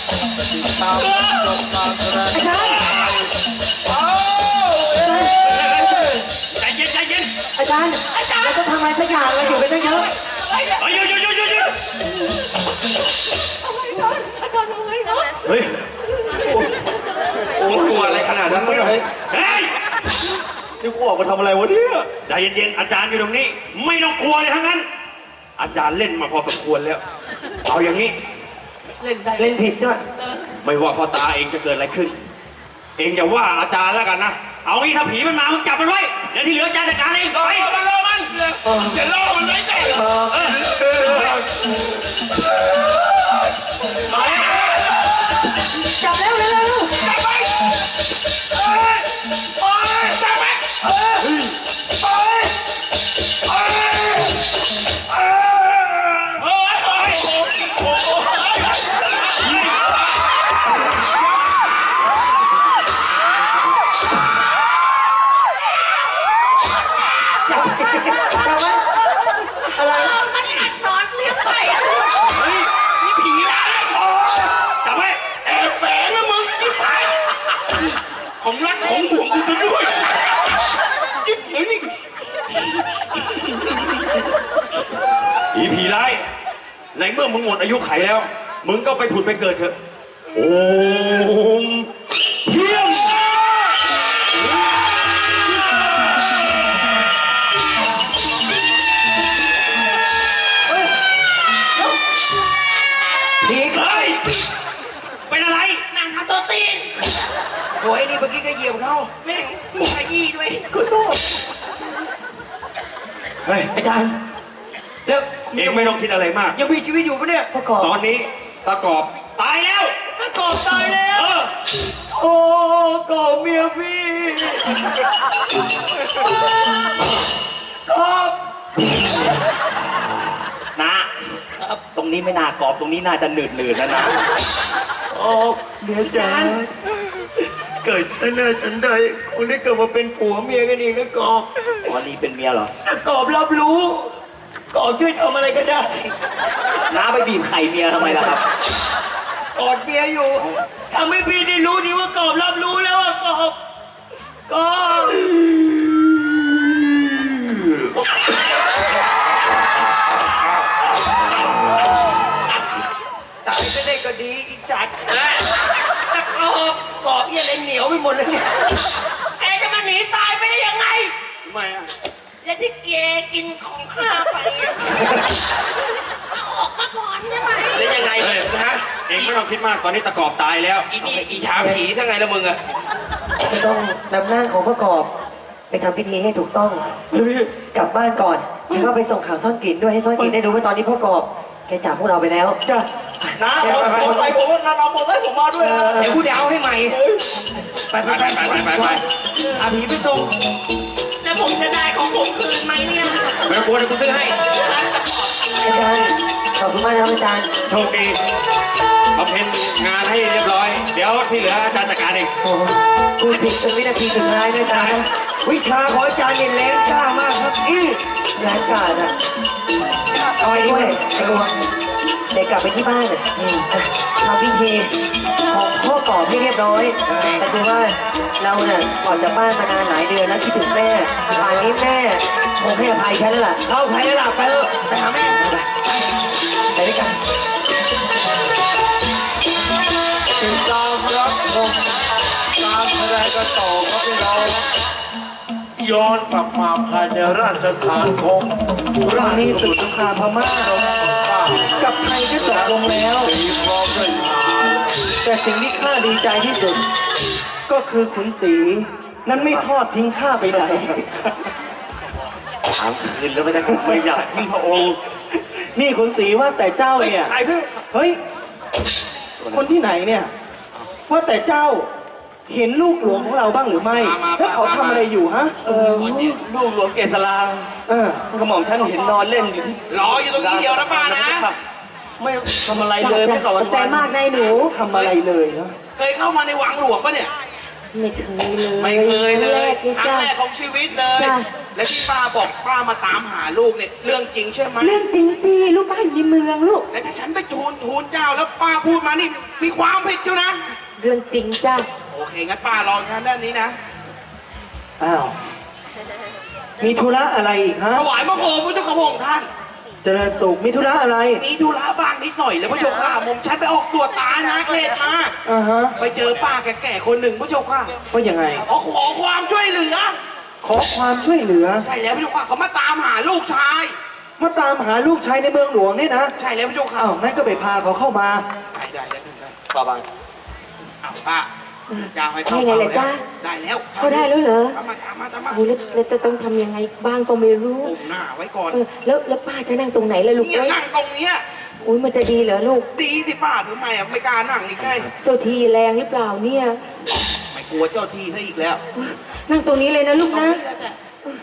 ตามจบการแสดงอาจารย์ใจเย็นใจเย็นอาจารย์เราต้องทำอะไรสักอย่างเราอยู่กันตั้งเยอะหยุดเฮ้ยกลัวอะไรขนาดนั้นวะเฮ้ยนี่กูออกมาทำอะไรวะเนี่ยใจเย็นๆอาจารย์อยู่ตรงนี้ไม่ต้องกลัวเลยทั้งนั้นอาจารย์เล่นมาพอสมควรแล้วเอาอย่างนี้เล่นผิดด้วยไม่ว่าพ่อตาเองจะเกิดอะไรขึ้น เองอย่าว่าอาจารย์แล้วกันนะเอางี้ถ้าผีมันมามึงจับมันไว้เดี๋ยวที่เหลืออาจารย์จัดการเองไปมันรอมันจะล่อมันไว้ใจจับแล้วเร็วจับไปจับไปจับไว้อะไรมันกัดนอนเลี้ยงไปอ่ะนี่ผีร้ายจับไว้แอบแฝงนะมึงจิ๊บหายของรักของห่วงกูซะด้วยจิ๊บเดี๋ยวนี่ผีร้ายในเมื่อมึงหมดอายุไขแล้วมึงก็ไปผุดไปเกิดเถอะโอมเพียงผีเฮ้ยเป็นอะไรนางทำตัวตีนโอ้ยนี่เมื่อกี้ก็เหยียบเขาแม่งมีขยี้ด้วยขอโทษเฮ้ยอาจารย์แล้วเองไม่ต้องคิดอะไรมากยังมีชีวิตอยู่ปะเนี่ยประกอบตอนนี้ตะกอบตายแล้วประกอบตายแล้ว โอ้กอบเมียพี่กอบนะครับตรงนี้ไม่น่ากรอบตรงนี้น่าจะหนืดนะโอ้เมียจ๋าเกิดฉันเนอฉันใดคุณได้เกิดมาเป็นผัวเมียกันอีกนะกอบอ๋อนี่เป็นเมียเหรอถ้ากอบรับรู้กอบช่วยทำอะไรก็ได้น้าไปบีบไข่เมียทำไมล่ะครับกอดเมียอยู่ทำให้พี่ได้รู้ดีว่ากอบรับรู้แล้วว่ากอบกอบตายก็ได้ก็ดีอีสัตว์แต่กอบเอี้ยอะไรเหนียวไปหมดเลยเนี่ยแกจะมาหนีตายไปได้ยังไงทำไมอ่ะและที่แกกินของข้าไปอ่ะเอาออกมาก่อนได้ไหมแล้วยังไงเฮ้ยฮะเองไม่ต้องคิดมากตอนนี้ตะกอบตายแล้วอีนี่อีชาผีทั้งไงละมึงอะจะต้องนำร่างของประกอบไปทำพิธีให้ถูกต้องกลับบ้านก่อนแล้วก็ไปส่งข่าวซ่อนกลิ่นด้วยให้ซ่อนกลิ่นได้รู้ว่าตอนนี้พ่อกอบแกจากพวกเราไปแล้วจ้ะน้าเอาไปผมว่าน้าเอาไปผมมาด้วยเดี๋ยวกูเดาให้ใหม่ไป อาผีไปส่งแล้วผมจะได้ของผมคืนไหมเนี่ยไม่ต้องกลัวเดี๋ยวกูซื้อให้อาจารย์ขอบคุณมากนะครับอาจารย์โชคดีบำเพ็ญงานให้เรียบร้อย เดี๋ยวที่เหลืออาจารย์จัดการเองโอ้โหพูดผิดจนวินาทีสุดท้ายนะอาจารย์วิชาของอาจารย์เนี่ยแรงกล้ามากครับแรงกล้าอ่ะเอาไว้ด้วยไอ้กวงเด็กกลับไปที่บ้านอ่ะทำพิธีของพ่อกอบให้เรียบร้อยแต่คือว่าเราเนี่ยออกจากบ้านมานานหลายเดือนแล้วคิดถึงแม่ป่านนี้แม่คงให้อภัยฉันแล้วล่ะเข้าอภัยแล้วล่ะไปเถอะไปหาแม่ไปด้วยกันติดตามรับชมการแสดงกันต่อครับพี่น้องย้อนกลับมาภายในราชฐานของตอนนี้ศึกสงครามพม่ากับไทยก็จบลงแล้วตีพร้อมด้วยทหารแต่สิ่งที่ข้าดีใจที่สุด ก็คือขุนศรีนั้นไม่ทอดทิ้งข้าไปไหนถามคืนแล้วไม่ได้ไม่อยากทิ้งพระองค์นี่ขุนศรีว่าแต่เจ้าเนี่ยใครเพื่อเฮ้ย คนที่ไหนเนี่ย ว่าแต่เจ้าเห็นลูกหลวงของเราบ้างหรือไม่ แล้วเขาทำอะไรอยู่ฮะลูกหลวงเกษราเออกระหม่อมฉันเห็นนอนเล่นอยู่ที่รออยู่ตรงนี้เดียวนะป้านะไม่ทำอะไรเลยไม่ก่อนวันใจมากนายหนูทำอะไรเลยนะเคยเข้ามาในวังหลวงปะเนี่ยไม่เคยเลยไม่เคยเลยคครั้รั้งงแรแรกกของชีวิตเลยจ้ะและที่ป้าบอกป้ามาตามหาลูกเนี่ยเรื่องจริงใช่ไหมเรื่องจริงสิลูกบ้านอยู่ในเมืองลูกและถ้าฉันไปทูลเจ้าแล้วป้าพูดมานี่มีความผิดเชียวนะเรื่องจริงจ้ะโอเคงั้นป้ารอทางด้านนี้นะอ้าวมีธุระอะไรอีกฮะถวายมะโคมพระเจ้าข้าพระองค์ท่านเจริญสุขมีธุระอะไรมีธุระบ้างนิดหน่อยแล้วพระเจ้าข้าผมฉันไปออกตรวจตานะเขตมาอ่าฮะไปเจอป้าแก่ๆคนหนึ่งพระเจ้าข้าว่ายังไงขอความช่วยเหลือขอความช่วยเหลือใช่แล้วพระเจ้าข้าเขามาตามหาลูกชายมาตามหาลูกชายในเมืองหลวงเนี่ยนะใช่แล้วพระเจ้าข้าอ้าวงั้นก็ไปพาเขาเข้ามาได้ได้ป้าบังเอาป้าจะให้เข้าให้ไงล่ะจ้ะได้แล้วเขาได้แล้วเหรอตามมาโอ้ยแล้วจะต้องทำยังไงบ้างก็ไม่รู้ปุ่มหน้าไว้ก่อนแล้วป้าจะนั่งตรงไหนล่ะลูกเนี่ยเอ้ยนั่งตรงเนี้ยอุ้ยมันจะดีเหรอลูกดีสิป้าทำไมอ่ะไม่กล้านั่งอีกไงเจ้าทีแรงหรือเปล่าเนี่ยไม่กลัวเจ้าที่ซะอีกแล้วนั่งตรงนี้เลยนะลูกตรงนะนี้แล้วจ้ะ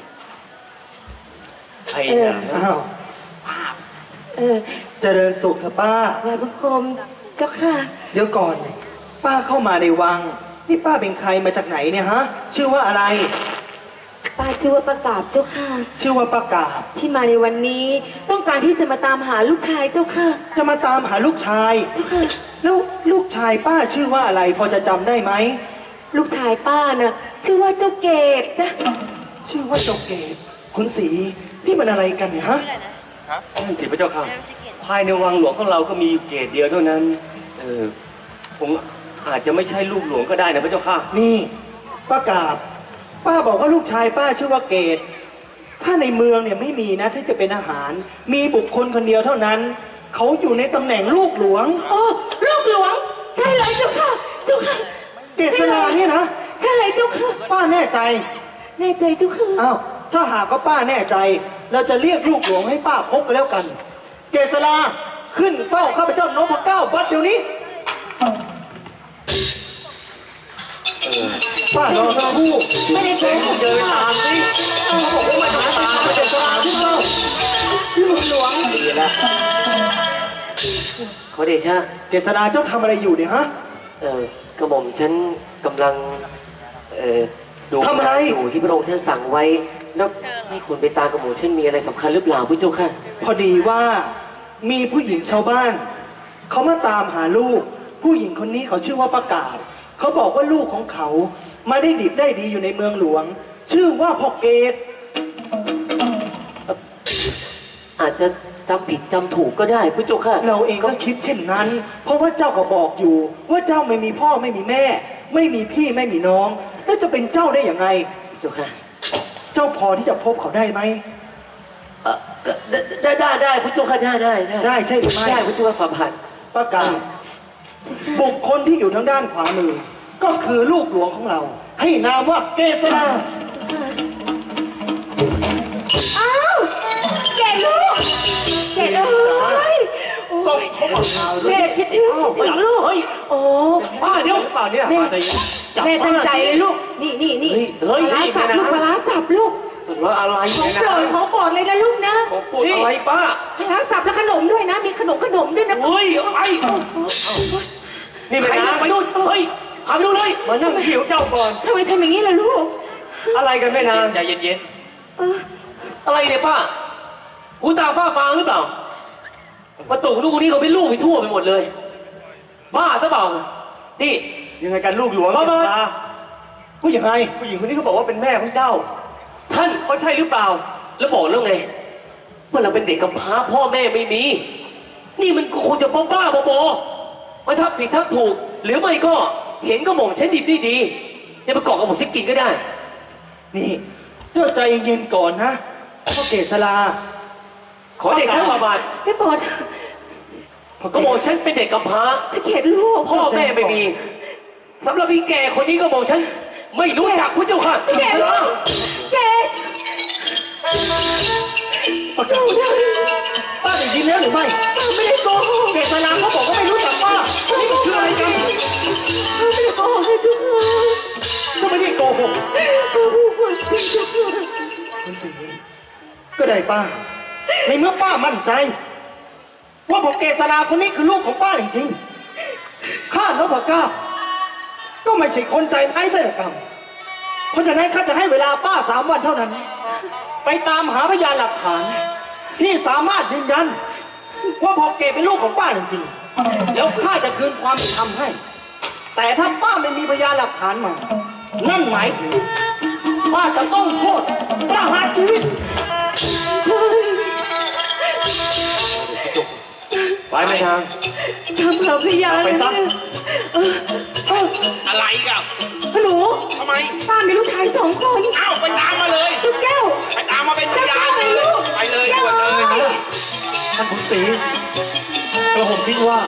ไอ้เออนะอ้าวป้าเออเจริญสุขเถอะป้าไหวพระคมเจ้าค่ะเดี๋ยวก่อน ป้าเข้ามาในวัง นี่ป้าเป็นใครมาจากไหนเนี่ยฮะ ชื่อว่าอะไรป้าชื่อว่าประกาศเจ้าค่ะชื่อว่าป้ากาบที่มาในวันนี้ ต้องการที่จะมาตามหาลูกชายเจ้าค่ะจะมาตามหาลูกชายเจ้าค่ะแล้วลูกชายป้าชื่อว่าอะไร พอจะจำได้ไหมลูกชายป้าน่ะชื่อว่าเจ้าเกดจ้ะชื่อว่าเจ้าเกศคุณศรีนี่มันอะไรกันเนี่ยฮะสิพระเจ้าค่ะ ภายในวังหลวงของเราก็มีอยู่เกตเดียวเท่านั้น ผมอาจจะไม่ใช่ลูกหลวงก็ได้นะพระเจ้าค่ะนี่ป้ากาบป้าบอกว่าลูกชายป้าชื่อว่าเกศถ้าในเมืองเนี่ยไม่มีนะที่จะเป็นอาหาร มีบุคคลคนเดียวเท่านั้น เขาอยู่ในตำแหน่งลูกหลวงโอ้ลูกหลวง ใช่เลยเจ้าค่ะ เจ้าค่ะเกษราเนี่ยนะใช่เลยเจ้าค่ะป้าแน่ใจแน่ใจเจ้าค่ะอ้าวถ้าหากว่าป้าแน่ใจ เราจะเรียกลูกหลวงให้ป้าพบกันแล้วกัน เกษราขึ้นเฝ้าข้าพเจ้านพเก้าบัดเดี๋ยวนี้ป้ารอสักครู่ไม่ได้โกหกเดินตามสิเขาบอกว่ามาตามเกษราขึ้นเฝ้าลูกหลวงดีแล้วขอเดชะเกษราเจ้าทำอะไรอยู่เนี่ยฮะกระหม่อมฉันกำลังดูทำอะไรอยู่ที่พระองค์ท่านสั่งไว้ แล้วให้คุณไปตามกระหม่อมฉันมีอะไรสำคัญหรือเปล่าพระเจ้าค่ะพอดีว่ามีผู้หญิงชาวบ้าน เขามาตามหาลูก ผู้หญิงคนนี้เขาชื่อว่าประกาศ เขาบอกว่าลูกของเขามาได้ดิบได้ดีอยู่ในเมืองหลวง ชื่อว่าพ่อเกตอาจจะจำผิดจำถูกก็ได้พระเจ้าค่ะเราเองก็คิดเช่นนั้น เพราะว่าเจ้าก็บอกอยู่ ว่าเจ้าไม่มีพ่อไม่มีแม่ ไม่มีพี่ไม่มีน้อง แล้วจะเป็นเจ้าได้อย่างไงพระเจ้าค่ะเจ้าพอที่จะพบเขาได้ไหมก็ได้พระเจ้าค่ะได้ได้ใช่หรือไม่ได้พระเจ้าค่ะฝ่าบาทประกาศบุคคลที่อยู่ทางด้านขวามือ ก็คือลูกหลวงของเรา ให้นามว่าเกษราอ้าวเกดลูก เกดเอ้ยโอ้ยแม่คิดถึงลูกเฮ้ยโอ้ป้าเดี๋ยวเปล่าเนี่ยแม่จับแม่ตั้งใจป้าเลยลูก นี่เฮ้ยปลาร้าสับนี่ลูกนะปลาร้าสับลูกสุดว่าอะไรของเนี่ยโปรนะดของโปรดเลยนะลูกนะผมพูดอะไรป้าปลาร้าสับและขนมด้วยนะ มีขนมด้วยนะเฮ้ยไอ้นี่ไม่นะไปนู่นเฮ้ยขับไปนู่นเลยมานั่งหิวเจ้าก่อนทำไมทำอย่างนี้ล่ะลูกอะไรกันแม่นางใจเย็นเออๆอะไรเนี่ยป้าหูตาฝ้าฟางหรือเปล่าประตูลูกคนนี้เขาเป็นลูกไปทั่วไปหมดเลยบ้าซะเปล่านี่ยังไงกันลูกหลวงบ้าผู้หญิงไงผู้หญิงคนนี้เขาบอกว่าเป็นแม่ของเจ้า ท่านเขาใช่หรือเปล่า แล้วบอกแล้วไงว่าเราเป็นเด็กกำพร้าพ่อแม่ไม่มี นี่มันคงจะบ้าๆบอๆมาทักผิดทักถูก หรือไม่ก็เห็นก็หม่อมฉันดิบดีจะไปเกาะกับผมฉันกินก็ได้นี่ เจ้าใจเย็นก่อนนะพ่อเกษราขอเด็กแค่บาบาทได้โปรดก็บอกฉันเป็นเด็กกำพร้าจะเกลียดลูกพ่อแม่ไม่มีสำหรับพี่แก่คนนี้ก็บอกฉัน ไม่รู้จักพระเจ้าค่ะจะเกลียดลูกเกลียดประกาศป้าได้ยินแล้วหรือไม่ไม่ได้โกหกเกษราเขาบอกว่าไม่รู้จักป้านี่มันคืออะไรกันไม่ได้โกหกเลยจุ๊กค่ะเจ้าไม่ได้โกหกพูดความจริงจุ๊กค่ะคุณศรีก็ได้ป้า ในเมื่อป้ามั่นใจ ว่าพ่อเกษราคนนี้คือลูกของป้าจริงๆข้านพเก้าก็ไม่ใช่คนใจไม้เสดกรรม เพราะฉะนั้นข้าจะให้เวลาป้า3 วันเท่านั้น ไปตามหาพยานหลักฐาน ที่สามารถยืนยัน ว่าพอเกตเป็นลูกของป้าจริงๆแล้วข้าจะคืนความเป็นธรรมให้ แต่ถ้าป้าไม่มีพยานหลักฐานมา นั่นหมายถึงป้าจะต้องโทษประหารชีวิตไปไม่ทางทำหาพยานไปซะอะไรอีกันหนูทำไมป้ามีลูกชาย2 คนอ้าวไปตามมาเลยจุ๊กแก้วไปตามมาเป็นพเจ้ายาแก้นวเลยลูกไปเลยแก้วด่วนเลยเอ้ยท่านขุนศรีกระผมคิดว่า